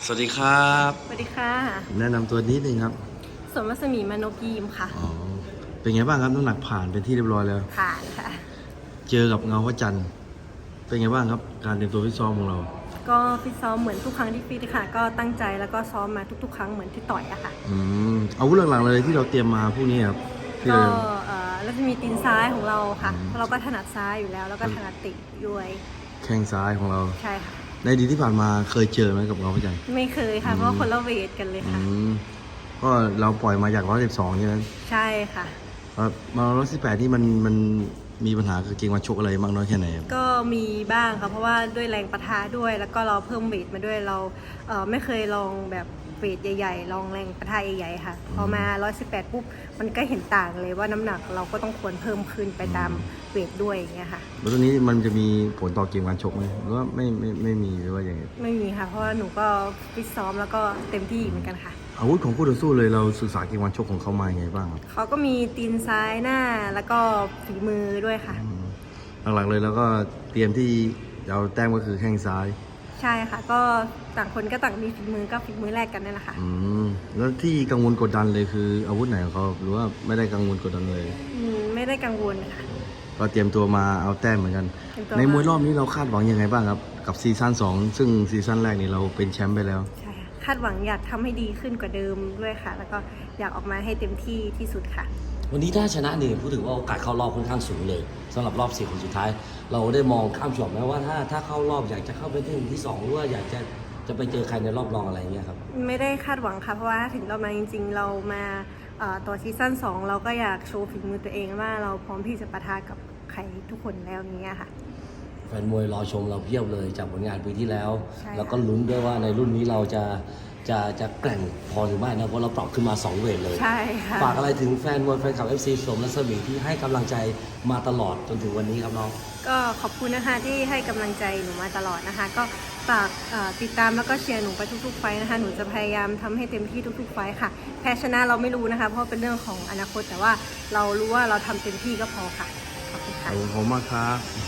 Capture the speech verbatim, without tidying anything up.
สวัสดีครับสวัสดีค่ะแนะนำตัวนิดนึงครับสมรัศมีมานพยีมค่ะอ๋อเป็นไงบ้างครับน้ำหนักผ่านเป็นที่เรียบร้อยแล้วผ่านค่ะเจอกับเงาพระจันทร์เป็นไงบ้างครับการเตรียมตัวฟิตซ้อมของเราก็ฟิตซ้อมเหมือนทุกครั้งที่ฟิตค่ะ ก็ตั้งใจแล้วก็ซ้อมมาทุกๆ ครั้งเหมือนที่ต่อยอะค่ะอืมอาวุธหลักๆเลยที่เราเตรียมมาพวกนี้ครับที่ก็เราเอ่อแล้วจะมีตีนซ้ายของเราค่ะเพราะเราก็ถนัดซ้ายอยู่แล้ว แล้วก็ถนัดติด้วยแข้งซ้ายของเราใช่ค่ะในอดีตที่ผ่านมาเคยเจอไหมกับเงาพระจันทร์ไม่เคยค่ะ เพราะว่าคนละเวทกันเลยอืค่ะมก็เราปล่อยมาจากร้อยสิบสองใช่ไหมใช่ค่ะครับมาร้อยสิบแปดนี่มันมันมีปัญหากับเกมวันชกอะไรมากน้อยแค่ไหนครับก็มีบ้างค่ะ เพราะว่าด้วยแรงปะทะด้วย แล้วก็เราเพิ่มเวทมาด้วย เราเอ่อไม่เคยลองแบบเวทใหญ่ๆ ลองแรงปะทะใหญ่ๆ ค่ะ พอมาหนึ่งร้อยสิบแปดปุ๊บ มันก็เห็นต่างเลยว่าน้ำหนักเราก็ต้องควรเพิ่มขึ้นไปตามเวทด้วยอย่างเงี้ยค่ะแล้วตรงนี้มันจะมีผลต่อเกมการชกไหมหรือว่าไม่ไม่ไม่มีหรือว่าอย่างไงไม่มีค่ะ เพราะว่าหนูก็ฟิตซ้อมแล้วก็เต็มที่เหมือนกันค่ะอาวุธของคู่ต่อสู้เลยเราศึกษาเกมวันชกของเขามาอย่างไงบ้างครับเขาก็มีตีนซ้ายหน้าแล้วก็ฝีมือด้วยค่ะอืมหลักๆเลยแล้วก็เตรียมที่จะเอาแต้มก็คือแข้งซ้ายใช่ค่ะ ก็ต่างคนก็ต่างมีฝีมือก็ฝีมือแลกกันนั่นแหละค่ะอืมแล้วที่กังวลกดดันเลยคืออาวุธไหนของเขาหรือว่าไม่ได้กังวลกดดันเลยอืมไม่ได้กังวลค่ะก็เตรียมตัวมาเอาแต้มเหมือนกันเตรียมตัวในมวยมารอบนี้เราคาดหวังยังไงบ้างครับกับซีซั่นสองซึ่งซีซั่นแรกนี่เราเป็นแชมป์ไปแล้วใช่ค่ะคาดหวังอยากทำให้ดีขึ้นกว่าเดิมด้วยค่ะ แล้วก็อยากออกมาให้เต็มที่ที่สุดค่ะวันนี้ถ้าชนะเนี่ยพูดถึงว่าโอกาสเข้ารอบค่อนข้างสูงเลยสำหรับรอบสี่คนสุดท้าย เราได้มองข้ามช็อตไหมว่าถ้าถ้าเข้ารอบอยากจะเข้าไปที่หนึ่งที่สองหรือว่าอยากจะจะไปเจอใครในรอบรองอะไรเงี้ยครับไม่ได้คาดหวังค่ะ เพราะว่าถ้าถึงเรามาจริง ๆ เรามาเอ่อต่อซีซั่นสองเราก็อยากโชว์ฝีมือตัวเองว่าเราพร้อมที่จะปะทะกับใครทุกคนแล้วอย่างเงี้ยค่ะแฟนมวยรอชมเราเพียบเลยจากผลงานปีที่แล้วใช่ค่ะแล้วก็ลุ้นด้วยว่าในรุ่นนี้เราจะจะจะแกร่งพอหรือไม่นะเพราะเราปรับขึ้นมาสองเวทเลยใช่ค่ะฝากอะไรถึงแฟนมวยแฟนคลับ เอฟ ซี สมรัศมีที่ให้กำลังใจมาตลอดจนถึงวันนี้ครับน้องก็ขอบคุณนะคะที่ให้กำลังใจหนูมาตลอดนะคะ ก็ฝากเอ่อติดตามแล้วก็เชียร์หนูไปทุกๆไฟท์นะคะ หนูจะพยายามทำให้เต็มที่ทุกๆไฟท์ค่ะ แพ้ชนะเราไม่รู้นะคะ เพราะเป็นเรื่องของอนาคตแต่ว่าเรารู้ว่าเราทำเต็มที่ก็พอค่ะขอบคุณขค่ะอบคุณมากครับ